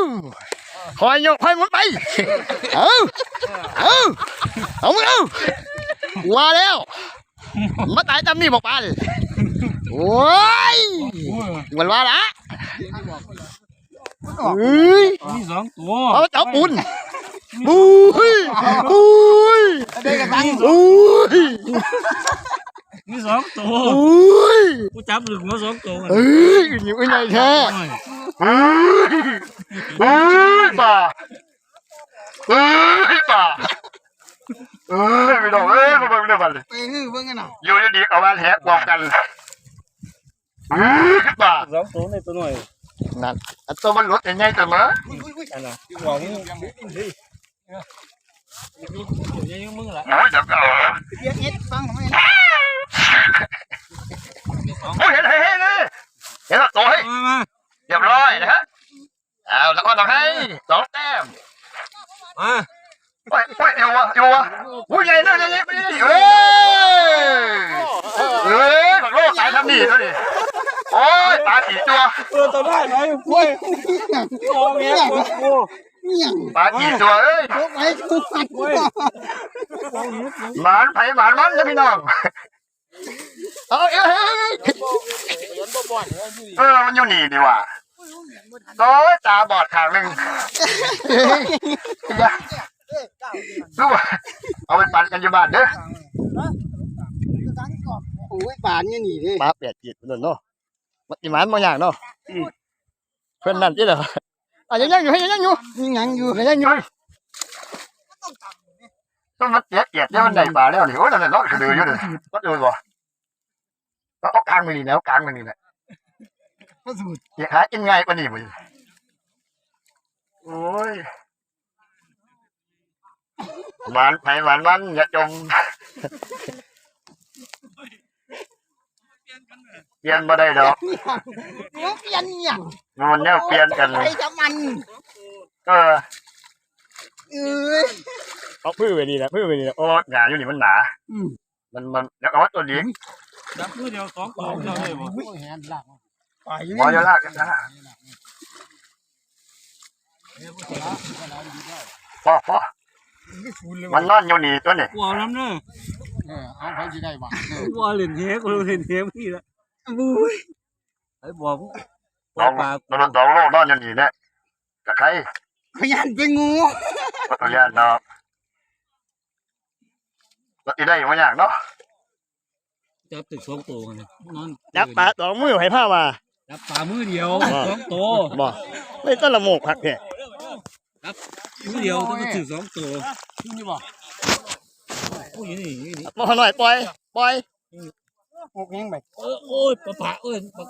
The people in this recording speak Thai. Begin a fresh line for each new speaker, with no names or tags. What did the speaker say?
คอยโยกคอยมุดไปเอามึงเอาว่าแล้วมาตายจำนี่บอกปลาเลยโอ้ยมันว่าละ
มีสองตัว
เอาเจ้าปุนบุ้ย
มีสองตัวกูจับหรือหัวสองตัว
อยู่ไงแท้ป่าไม่ต้องไม่ต้องเลยอยู่ดีๆเอามาแทะบอกกันป่า
สองตัวในตัวหน่อย
นั่นตัวมันรถยังไงตัวมั้ง
อันน่ะหวังยังมึงละ
น้อยจังเอา
เรียกเอ็ดฟังทำไม
โอ้ยเห็นเลยเห็นตัวให้เรียบร้อยนะฮะเอาแล้วก็ต้องให้2 แต้ม
มา
ไปอยู่วะอุ้ยใหญ่เลยผักโลกสายทำนี่เลยโอ้ยปลากี่ตัว
ตัวได้ไหมกล้วยโอ้เงี้ย
ปลากี่ตัวเอ้ยหมานไผ่หมานมันนะพี่น้องเอามันอยู่นี่ดีว่ะโอ้ยตาบอดข้างหนึ่งลูกเอาไปปั่นกันอยู่บ้านเด้อ
โอ้ยป่านเนี่ยหนีดิ
มาเปียกจีดเนาะมันอีหมานบางอย่างเนาะเพื่อนนั่นที่เหรอยังอยู่ต้องมันเปียกเนี่ยมันได้ปลาแล้วนี่โอ้ยนั่นเนาะคือเดือดอยู่เลยก็ดูบ่ก็กลางมันนี่แล้วกลางมันนี่แหละอยากหากินง่ายกว่านี้บ่โอ้ยหวานไผ่หวานมันอย่าจมเปลี่ยนมาได้ดอก
เปลี่ยนอย่าง
มันเนี่ยเปลี่ยนกัน
ไปจะมัน
เอาพื้นไปดีนะโอ้หนาอยู่นี่มันหนามันแล้วเอาตัวนี้
จับมือเดียวสองตัวเราเลยบ่
พอจะลากกันนะพอมันนอนอยู่นี่ตัวนี้
ว้าวน้ำเนอะ
เอาไปที่ได้บ้าง
ว้าวเล่นเหี้ยกูเล่นเหี้ยพี่ละไอ้บอก
ลองโลกนอนอยู่นี่เนี่ยกับใคร
ขยันเป็นงู
ขยันเนาะก็ได้มาอย่างเนาะ
จับตึกสองตัวนอน
จับปลา2 มือให้ผ้ามา
จับปลามือเดียวสองตัว
บ่ไม่ต้นละโมกผักแค่
ครับมือเดียวต้องตึก2 ตัว
นี่บ่
โอ้ยนี่
มาหน่อยปล่อย
พวกนี้ไป
โอ้ยปลาโอ้ย